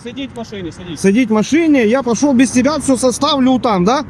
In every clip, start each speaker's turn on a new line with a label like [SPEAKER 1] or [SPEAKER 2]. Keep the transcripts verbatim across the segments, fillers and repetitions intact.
[SPEAKER 1] Сидіть в машині, сидіть.
[SPEAKER 2] Сидеть в машине, я пошел без тебя, все составлю там, да?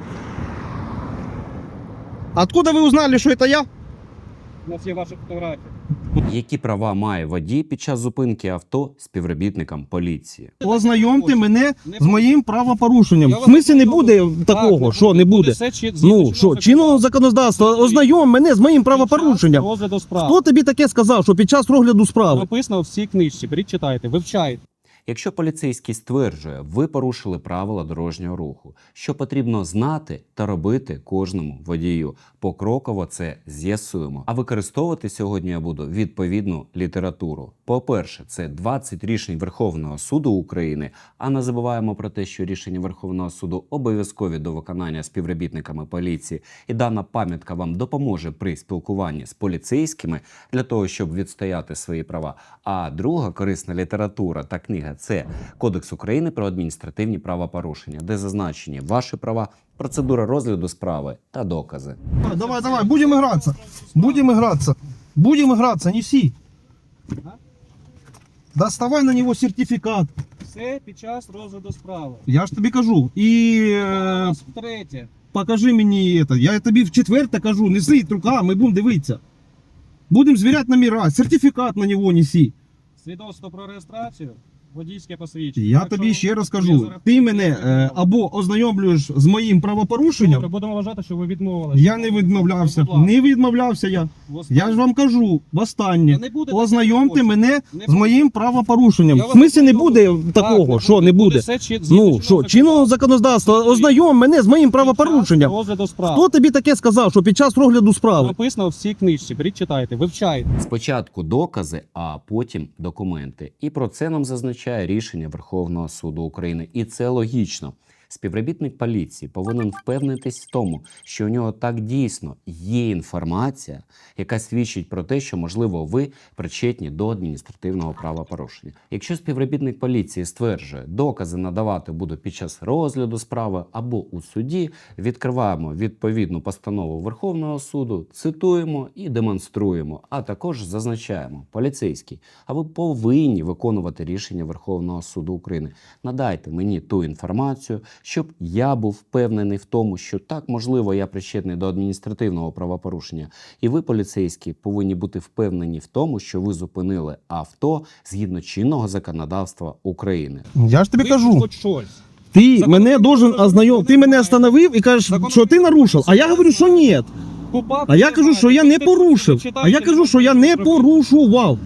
[SPEAKER 2] Откуда вы узнали, что это я?
[SPEAKER 1] У нас є ваші фотографії.
[SPEAKER 3] Які права має водій під час зупинки авто співробітникам поліції?
[SPEAKER 2] Ознайомте мене з моїм правопорушенням.
[SPEAKER 1] Я
[SPEAKER 2] В
[SPEAKER 1] вас
[SPEAKER 2] смислі не
[SPEAKER 1] ознайомлю.
[SPEAKER 2] буде такого,
[SPEAKER 1] Так,
[SPEAKER 2] що не буде?
[SPEAKER 1] все чи- згідно
[SPEAKER 2] Ну, що, чинного законодавства, ознайом мене з моїм правопорушенням.
[SPEAKER 1] Під час розгляду справ.
[SPEAKER 2] Хто тобі таке сказав, що під час розгляду справи?
[SPEAKER 1] Написано в цій книжці. Беріть, читайте, вивчайте.
[SPEAKER 3] Якщо поліцейський стверджує, ви порушили правила дорожнього руху, що потрібно знати та робити кожному водію. Покроково це з'ясуємо. А використовувати сьогодні я буду відповідну літературу. По-перше, це двадцять рішень Верховного суду України, а не забуваємо про те, що рішення Верховного суду обов'язкові до виконання співробітниками поліції, і дана пам'ятка вам допоможе при спілкуванні з поліцейськими для того, щоб відстояти свої права. А друга корисна література та книга – це Кодекс України про адміністративні правопорушення, де зазначені ваші права, процедура розгляду справи та докази.
[SPEAKER 2] Давай, давай, будемо гратися. Будемо гратися. Будемо гратися, неси. Доставай на нього сертифікат.
[SPEAKER 1] Все під час розгляду справи.
[SPEAKER 2] Я ж тобі кажу. І е,
[SPEAKER 1] Втретє.
[SPEAKER 2] покажи мені це. Я тобі в четверте кажу, неси рука, ми будемо дивитися. Будемо звіряти номера, сертифікат на нього неси.
[SPEAKER 1] Свідоцтво про реєстрацію, водійське посвідчення.
[SPEAKER 2] Я
[SPEAKER 1] Якщо
[SPEAKER 2] тобі ще раз
[SPEAKER 1] я
[SPEAKER 2] кажу,
[SPEAKER 1] зараз-
[SPEAKER 2] ти мене е, або ознайомлюєш з моїм правопорушенням.
[SPEAKER 1] Добре, будемо вважати, що ви відмовилися.
[SPEAKER 2] Я не відмовлявся.
[SPEAKER 1] Будь ласка.
[SPEAKER 2] Не відмовлявся я. Я ж вам кажу, востаннє.
[SPEAKER 1] Та не буде
[SPEAKER 2] Ознайомте
[SPEAKER 1] такого.
[SPEAKER 2] мене
[SPEAKER 1] Не
[SPEAKER 2] з моїм правопорушенням.
[SPEAKER 1] Я
[SPEAKER 2] В
[SPEAKER 1] вас
[SPEAKER 2] смислі не
[SPEAKER 1] ознайомлю.
[SPEAKER 2] буде такого, що не буде.
[SPEAKER 1] все чи- згідно
[SPEAKER 2] Ну, що, чинного законодавства, ознайом мене з моїм правопорушенням.
[SPEAKER 1] Під час розгляду справ.
[SPEAKER 2] Хто тобі таке сказав, що під час розгляду справи?
[SPEAKER 1] Написано в цій книжці. Беріть, читайте, вивчайте.
[SPEAKER 3] Спочатку докази, а потім документи. І про це нам зазначає рішення Верховного суду України. І це логічно. Співробітник поліції повинен впевнитись в тому, що у нього так дійсно є інформація, яка свідчить про те, що, можливо, ви причетні до адміністративного правопорушення. Якщо співробітник поліції стверджує, докази надавати буду під час розгляду справи або у суді, відкриваємо відповідну постанову Верховного суду, цитуємо і демонструємо, а також зазначаємо: поліцейський, а ви повинні виконувати рішення Верховного суду України. Надайте мені ту інформацію, щоб я був впевнений в тому, що так, можливо, я причетний до адміністративного правопорушення. І ви, поліцейські, повинні бути впевнені в тому, що ви зупинили авто згідно чинного законодавства України.
[SPEAKER 2] Я ж тобі
[SPEAKER 1] Ви
[SPEAKER 2] кажу,
[SPEAKER 1] хоч щось.
[SPEAKER 2] ти
[SPEAKER 1] Закон-
[SPEAKER 2] мене должен ознайомити. Ти мене остановив і кажеш,
[SPEAKER 1] Закон-
[SPEAKER 2] що ти нарушив. А я говорю, що ні.
[SPEAKER 1] Купав,
[SPEAKER 2] А я кажу, що я не порушив. А я кажу, що я не порушував.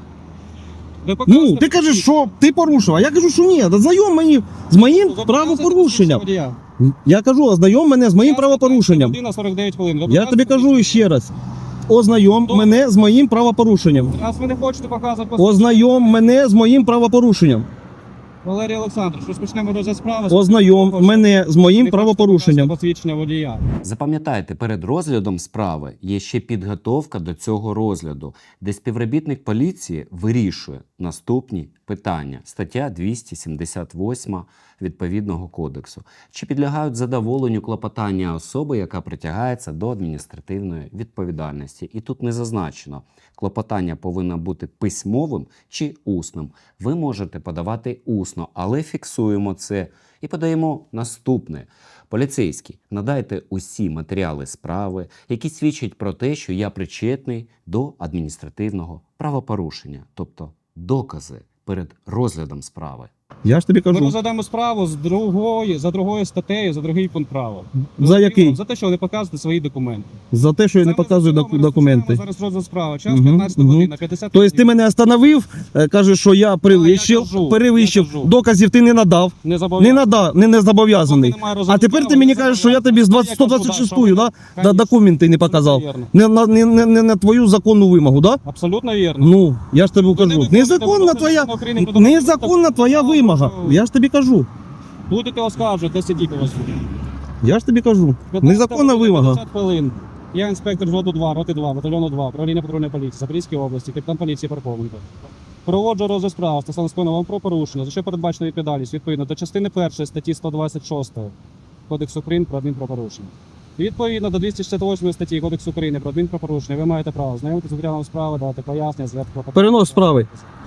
[SPEAKER 1] Ви показуєте
[SPEAKER 2] Ну, ти кажеш,
[SPEAKER 1] водій.
[SPEAKER 2] що ти порушив, а я кажу, що ні. Ознайом мені з моїм
[SPEAKER 1] Ви показуєте
[SPEAKER 2] правопорушенням.
[SPEAKER 1] водія.
[SPEAKER 2] Я кажу, ознайом мене з моїм
[SPEAKER 1] Час
[SPEAKER 2] правопорушенням.
[SPEAKER 1] година сорок дев'ять хвилин. Ви
[SPEAKER 2] Я тобі
[SPEAKER 1] показуєте
[SPEAKER 2] кажу ще раз. Ознайом
[SPEAKER 1] Добре.
[SPEAKER 2] мене з моїм правопорушенням.
[SPEAKER 1] Раз ви не хочете показувати
[SPEAKER 2] Ознайом мене з моїм правопорушенням.
[SPEAKER 1] Валерій Олександрович, розпочнемо розгляд справи.
[SPEAKER 2] Ознайом мене з моїм правопорушенням.
[SPEAKER 1] Посвідчення водія.
[SPEAKER 3] Запам'ятайте, перед розглядом справи є ще підготовка до цього розгляду, де співробітник поліції вирішує наступні питання. Стаття двісті сімдесят восьма відповідного кодексу. Чи підлягають задоволенню клопотання особи, яка притягається до адміністративної відповідальності? І тут не зазначено, клопотання повинно бути письмовим чи усним. Ви можете подавати усно, але фіксуємо це і подаємо наступне. Поліцейський, надайте усі матеріали справи, які свідчать про те, що я причетний до адміністративного правопорушення, тобто докази перед розглядом справи.
[SPEAKER 2] Я ж тобі
[SPEAKER 1] Ми
[SPEAKER 2] кажу.
[SPEAKER 1] розглядаємо справу з другої, за другою статтею, за другий пункт права.
[SPEAKER 2] За який?
[SPEAKER 1] За те, що ви не показуєте свої документи.
[SPEAKER 2] За те, що я не
[SPEAKER 1] Зараз
[SPEAKER 2] показую
[SPEAKER 1] розглядаємо,
[SPEAKER 2] доку- документи.
[SPEAKER 1] Зараз розгляд справи. Час
[SPEAKER 2] Мгм,
[SPEAKER 1] п'ятнадцята
[SPEAKER 2] мгм.
[SPEAKER 1] година, п'ятдесят
[SPEAKER 2] Тобто ти мене остановив, е, кажеш, що я перевищив,
[SPEAKER 1] я кажу,
[SPEAKER 2] перевищив,
[SPEAKER 1] я кажу.
[SPEAKER 2] доказів ти не надав,
[SPEAKER 1] не
[SPEAKER 2] не
[SPEAKER 1] забавляю.
[SPEAKER 2] надав, не, не зобов'язаний.
[SPEAKER 1] Поки немає
[SPEAKER 2] А
[SPEAKER 1] розгляду
[SPEAKER 2] тепер ти
[SPEAKER 1] справи,
[SPEAKER 2] мені
[SPEAKER 1] не
[SPEAKER 2] кажеш, що я тобі з
[SPEAKER 1] зобов'язаний.
[SPEAKER 2] двадцять-
[SPEAKER 1] Я
[SPEAKER 2] сто
[SPEAKER 1] кажу,
[SPEAKER 2] двадцять
[SPEAKER 1] да,
[SPEAKER 2] шестую,
[SPEAKER 1] що
[SPEAKER 2] да,
[SPEAKER 1] ви-
[SPEAKER 2] да,
[SPEAKER 1] Конечно.
[SPEAKER 2] документи не показав.
[SPEAKER 1] Вірно.
[SPEAKER 2] Не на, не, не, не на твою законну вимогу, да?
[SPEAKER 1] Абсолютно вірно.
[SPEAKER 2] Ну, я ж тобі
[SPEAKER 1] Ви не
[SPEAKER 2] кажу,
[SPEAKER 1] виконуєте
[SPEAKER 2] незаконна
[SPEAKER 1] вимоги
[SPEAKER 2] твоя,
[SPEAKER 1] Закону України про
[SPEAKER 2] незаконна твоя вимога. Я ж тобі кажу,
[SPEAKER 1] Будете оскаржувати, сидіть у вас.
[SPEAKER 2] я ж тобі кажу, незаконна вимога.
[SPEAKER 1] п'ятдесят хвилин. Я інспектор взводу два, роти два, батальйону два, управління патрульної поліції, Запорізькій області, капітан поліції Парповенко. Проводжу розгляд справ стосовно скоєного вам про порушення, за що передбачена відповідальність відповідно до частини першої статті сто двадцять шостої Кодексу України про адмінправопорушення. Відповідно до двісті шістдесят восьмої статті Кодексу України про адмінправопорушення ви маєте право знайомитися з матеріалом справи, давати пояснення, зверху.
[SPEAKER 2] Перенос справи.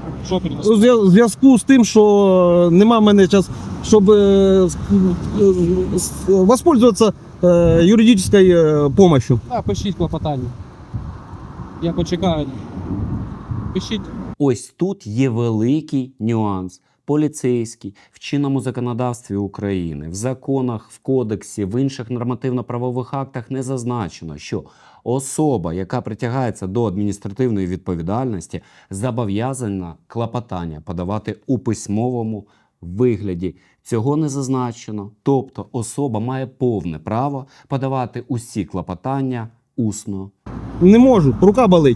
[SPEAKER 1] Що
[SPEAKER 2] У
[SPEAKER 1] перенести?
[SPEAKER 2] зв'я- зв'язку з тим, що нема в мене час, щоб е, с- е, с- воспользоваться е, юридичною е, помощью.
[SPEAKER 1] Так, пишіть клопотання. Я почекаю. Пишіть.
[SPEAKER 3] Ось тут є великий нюанс. Поліцейський в чинному законодавстві України, в законах, в кодексі, в інших нормативно-правових актах не зазначено, що особа, яка притягається до адміністративної відповідальності, зобов'язана клопотання подавати у письмовому вигляді. Цього не зазначено. Тобто особа має повне право подавати усі клопотання усно.
[SPEAKER 2] Не можу, рука болить.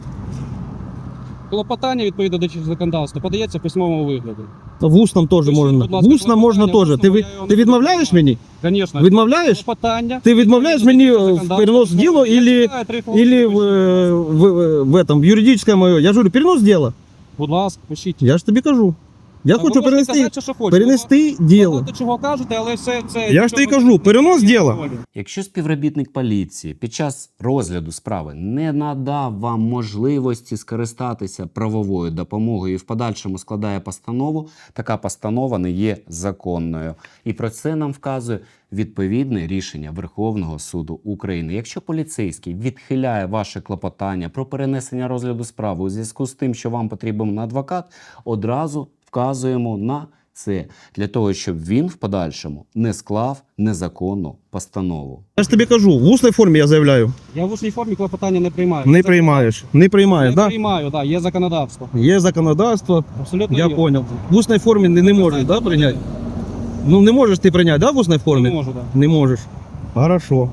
[SPEAKER 1] Клопотання відповідно до законодавства подається в письмовому вигляді.
[SPEAKER 2] В усному теж
[SPEAKER 1] Пишіть,
[SPEAKER 2] можна.
[SPEAKER 1] будь ласка,
[SPEAKER 2] В усному можна
[SPEAKER 1] клопотання,
[SPEAKER 2] теж. Ти,
[SPEAKER 1] в
[SPEAKER 2] ви-
[SPEAKER 1] усному я його
[SPEAKER 2] ти
[SPEAKER 1] не
[SPEAKER 2] відмовляєш
[SPEAKER 1] відмовляю.
[SPEAKER 2] мені?
[SPEAKER 1] Звісно.
[SPEAKER 2] Відмовляєш?
[SPEAKER 1] Клопотання.
[SPEAKER 2] Ти відмовляєш мені в перенос діла
[SPEAKER 1] Я
[SPEAKER 2] или,
[SPEAKER 1] читаю три хвилини,
[SPEAKER 2] или в,
[SPEAKER 1] пишіть.
[SPEAKER 2] е, в, в, этом, в юридическое моє? Я ж говорю, перенос діла.
[SPEAKER 1] Будь ласка, пишіть.
[SPEAKER 2] Я ж тобі кажу. Я
[SPEAKER 1] Та
[SPEAKER 2] хочу
[SPEAKER 1] ви можете
[SPEAKER 2] перенести,
[SPEAKER 1] казати, що хочете.
[SPEAKER 2] перенести
[SPEAKER 1] Ви
[SPEAKER 2] діло.
[SPEAKER 1] багато чого кажете, але все це...
[SPEAKER 2] Я ж тобі кажу, перенос діла.
[SPEAKER 3] Якщо співробітник поліції під час розгляду справи не надав вам можливості скористатися правовою допомогою і в подальшому складає постанову, така постанова не є законною. І про це нам вказує відповідне рішення Верховного суду України. Якщо поліцейський відхиляє ваше клопотання про перенесення розгляду справи у зв'язку з тим, що вам потрібен адвокат, одразу вказуємо на це, для того, щоб він в подальшому не склав незаконну постанову.
[SPEAKER 2] Я ж тобі кажу, в усній формі я заявляю.
[SPEAKER 1] Я в усній формі клопотання не приймаю.
[SPEAKER 2] Не
[SPEAKER 1] Це-
[SPEAKER 2] приймаєш. Не приймаєш,
[SPEAKER 1] Не
[SPEAKER 2] так? Да?
[SPEAKER 1] приймаю, так, є законодавство.
[SPEAKER 2] Є законодавство,
[SPEAKER 1] Абсолютно
[SPEAKER 2] я
[SPEAKER 1] є.
[SPEAKER 2] понял. В усній формі не, не можеш, да, прийняти? Ну не можеш ти прийняти, да, в усній формі?
[SPEAKER 1] Не можу, так.
[SPEAKER 2] Не можеш. Хорошо.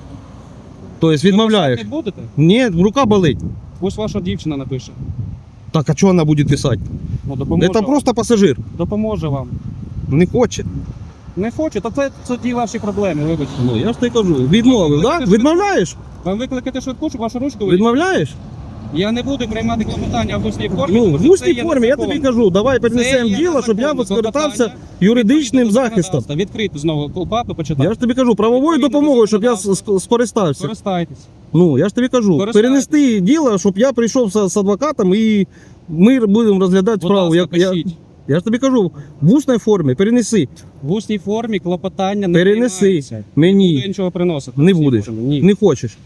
[SPEAKER 2] Тобто відмовляєш?
[SPEAKER 1] Не будете?
[SPEAKER 2] Ні, рука болить.
[SPEAKER 1] Пусть ваша дівчина напише.
[SPEAKER 2] Так, а що вона буде писати?
[SPEAKER 1] Ну, допоможе,
[SPEAKER 2] Це
[SPEAKER 1] вам.
[SPEAKER 2] просто пасажир.
[SPEAKER 1] допоможе вам.
[SPEAKER 2] Не хоче.
[SPEAKER 1] Не хочу, то це тоді ваші проблеми, вибачте.
[SPEAKER 2] Ну я ж тобі кажу, відмовив,
[SPEAKER 1] Ви
[SPEAKER 2] так? Да?
[SPEAKER 1] хочете
[SPEAKER 2] Відмовляєш?
[SPEAKER 1] Вам викликати швидку, щоб вашу ручку ви...
[SPEAKER 2] Відмовляєш?
[SPEAKER 1] Я не буду приймати клопотання в усній формі.
[SPEAKER 2] Ну,
[SPEAKER 1] тому
[SPEAKER 2] в
[SPEAKER 1] що це
[SPEAKER 2] усній
[SPEAKER 1] є
[SPEAKER 2] формі, я
[SPEAKER 1] незаконно.
[SPEAKER 2] тобі кажу, давай
[SPEAKER 1] Це
[SPEAKER 2] перенесемо
[SPEAKER 1] є
[SPEAKER 2] діло, щоб я
[SPEAKER 1] незаконно.
[SPEAKER 2] скористався
[SPEAKER 1] Клопотання
[SPEAKER 2] юридичним
[SPEAKER 1] відповідно до
[SPEAKER 2] захистом.
[SPEAKER 1] законодавства. Відкрити знову КУПАП і почитати.
[SPEAKER 2] Я ж тобі кажу, правовою
[SPEAKER 1] Відповідно до
[SPEAKER 2] допомогою, щоб я
[SPEAKER 1] законодавства.
[SPEAKER 2] с- скористався.
[SPEAKER 1] Користайтесь.
[SPEAKER 2] Ну, я ж тобі кажу,
[SPEAKER 1] Користайтесь.
[SPEAKER 2] перенести діло, щоб я прийшов з, з адвокатом і ми будемо розглядати
[SPEAKER 1] Будь
[SPEAKER 2] справу.
[SPEAKER 1] ласка,
[SPEAKER 2] Я, я,
[SPEAKER 1] пишіть.
[SPEAKER 2] я ж тобі кажу, в усній формі перенеси.
[SPEAKER 1] В усній формі клопотання не
[SPEAKER 2] Перенеси.
[SPEAKER 1] приймається. Не буду
[SPEAKER 2] Мені
[SPEAKER 1] нічого приносити.
[SPEAKER 2] не
[SPEAKER 1] в усній
[SPEAKER 2] будеш.
[SPEAKER 1] формі. Ні.
[SPEAKER 2] Не хочеш.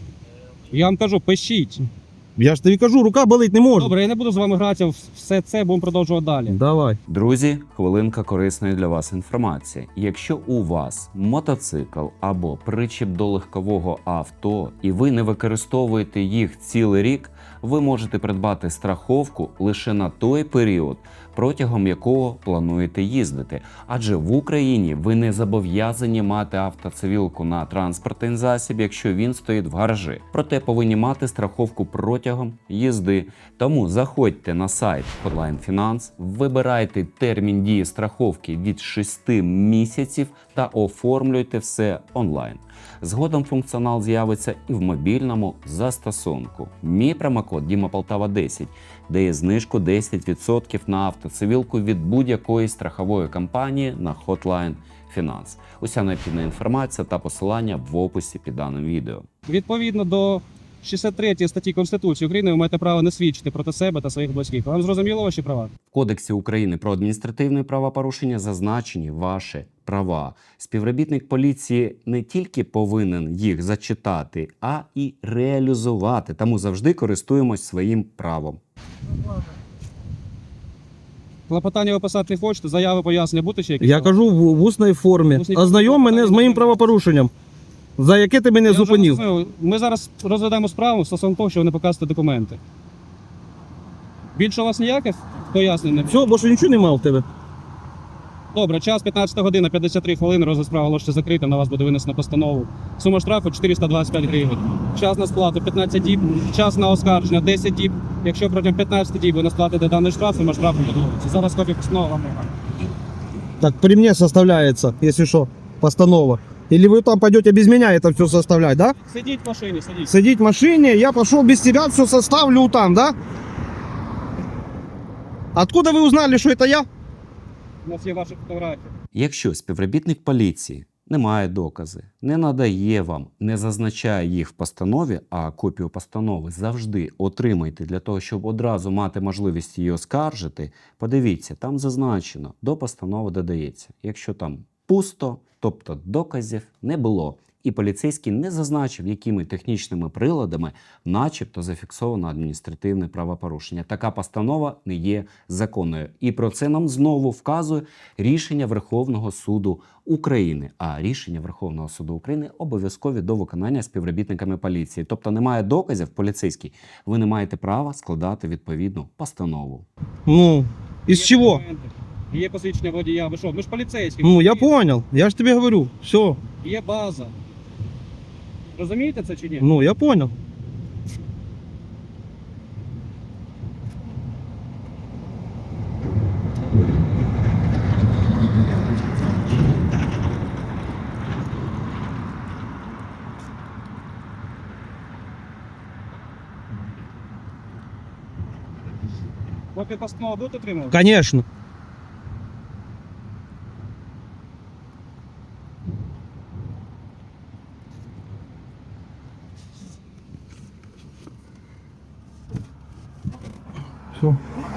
[SPEAKER 1] Я вам кажу, пишіть.
[SPEAKER 2] Я ж тобі кажу, рука болить не може.
[SPEAKER 1] Добре, я не буду з вами гратися в все це, будемо продовжувати далі.
[SPEAKER 2] Давай.
[SPEAKER 3] Друзі, хвилинка корисної для вас інформації. Якщо у вас мотоцикл або причіп до легкового авто, і ви не використовуєте їх цілий рік, ви можете придбати страховку лише на той період, протягом якого плануєте їздити. Адже в Україні ви не зобов'язані мати автоцивілку на транспортний засіб, якщо він стоїть в гаражі. Проте повинні мати страховку протягом їзди. Тому заходьте на сайт Hotline Finance, вибирайте термін дії страховки від шести місяців та оформлюйте все онлайн. Згодом функціонал з'явиться і в мобільному застосунку. Мій промокод Діма Полтава десять дає знижку десять відсотків на автоцивілку від будь-якої страхової компанії на Hotline Finance. Уся необхідна інформація та посилання в описі під даним відео.
[SPEAKER 1] Відповідно до шістдесят третьої статті Конституції України ви маєте право не свідчити проти себе та своїх близьких. Вам зрозуміло ваші права?
[SPEAKER 3] В Кодексі України про адміністративне правопорушення зазначені ваші права. Співробітник поліції не тільки повинен їх зачитати, а і реалізувати. Тому завжди користуємось своїм правом.
[SPEAKER 1] Клопотання ви писати не хочете, заяви пояснення бути чи якісь?
[SPEAKER 2] Я кажу в, в усній формі.
[SPEAKER 1] В усній
[SPEAKER 2] Ознайом
[SPEAKER 1] формі.
[SPEAKER 2] мене з моїм правопорушенням. За яке ти мене
[SPEAKER 1] Я вже
[SPEAKER 2] зупинив?
[SPEAKER 1] розумію. Ми зараз розглядаємо справу стосовно того, що ви не показуєте документи. Більше у вас ніяких пояснень не
[SPEAKER 2] Все, бо що нічого немає в тебе.
[SPEAKER 1] Добре, час п'ятнадцята година, п'ятдесят три хвилини, розгляд справи оголошується закритим, на вас буде винесено постанову. Сума штрафу чотириста двадцять п'ять гривень. Час на сплату п'ятнадцять діб, час на оскарження десять діб. Якщо протягом п'ятнадцяти діб ви не сплатите даний штраф, сума штрафу подвоїться. Зараз копію постанови вам не
[SPEAKER 2] Так при мне составляется, если что, постанова. Или вы там пойдете без меня это все составлять, да?
[SPEAKER 1] Сидіть в машині, сидіть.
[SPEAKER 2] Сидеть в машине, я пошел без тебя, все составлю там, да? Откуда вы узнали, что это я?
[SPEAKER 1] У нас є ваші фотографії.
[SPEAKER 3] Якщо співробітник поліції не має докази, не надає вам, не зазначає їх в постанові, а копію постанови завжди отримайте для того, щоб одразу мати можливість її оскаржити. Подивіться, там зазначено, до постанови додається. Якщо там пусто, тобто доказів не було, і поліцейський не зазначив, якими технічними приладами начебто зафіксовано адміністративне правопорушення. Така постанова не є законною. І про це нам знову вказує рішення Верховного суду України. А рішення Верховного суду України обов'язкові до виконання співробітниками поліції. Тобто немає доказів, поліцейський, ви не маєте права складати відповідну постанову.
[SPEAKER 2] Ну, из
[SPEAKER 1] Є
[SPEAKER 2] чего?
[SPEAKER 1] документи, Є посвідчення водія. Ви що? Ми ж поліцейські.
[SPEAKER 2] Ну, я
[SPEAKER 1] Є-
[SPEAKER 2] понял. Я же тебе говорю. Все.
[SPEAKER 1] Є база. Розумієте це чи ні?
[SPEAKER 2] Ну, я понял.
[SPEAKER 1] Копію постанови будете отримувати?
[SPEAKER 2] Конечно. Все.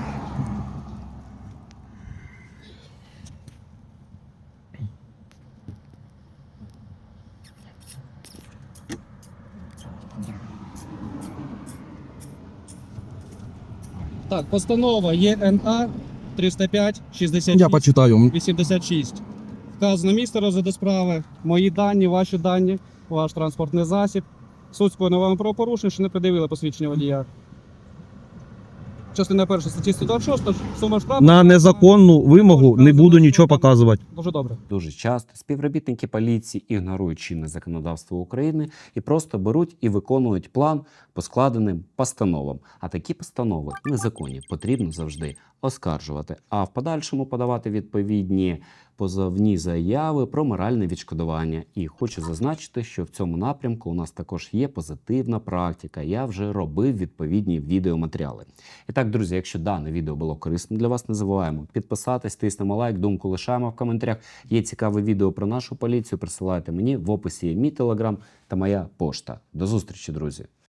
[SPEAKER 1] Так, постанова є Н А триста п'ять шістдесят
[SPEAKER 2] Я
[SPEAKER 1] шість
[SPEAKER 2] почитаю.
[SPEAKER 1] вісімдесят шість. Вказано місце розгляду справи, мої дані, ваші дані, ваш транспортний засіб. Суд скоєно вам правопорушення, що не пред'явили посвідчення водія. Частина перша статті сто двадцять шість, сума штрафу.
[SPEAKER 2] На незаконну вимогу не буду нічого показувати.
[SPEAKER 1] Дуже добре.
[SPEAKER 3] Дуже часто співробітники поліції ігнорують чинне законодавство України і просто беруть і виконують план по складеним постановам. А такі постанови незаконні, потрібно завжди оскаржувати, а в подальшому подавати відповідні позовні заяви про моральне відшкодування. І хочу зазначити, що в цьому напрямку у нас також є позитивна практика. Я вже робив відповідні відеоматеріали. І так, друзі, якщо дане відео було корисним для вас, не забуваємо підписатись, тиснемо лайк, думку лишаємо в коментарях. Є цікаве відео про нашу поліцію, присилайте мені, в описі є мій телеграм та моя пошта. До зустрічі, друзі!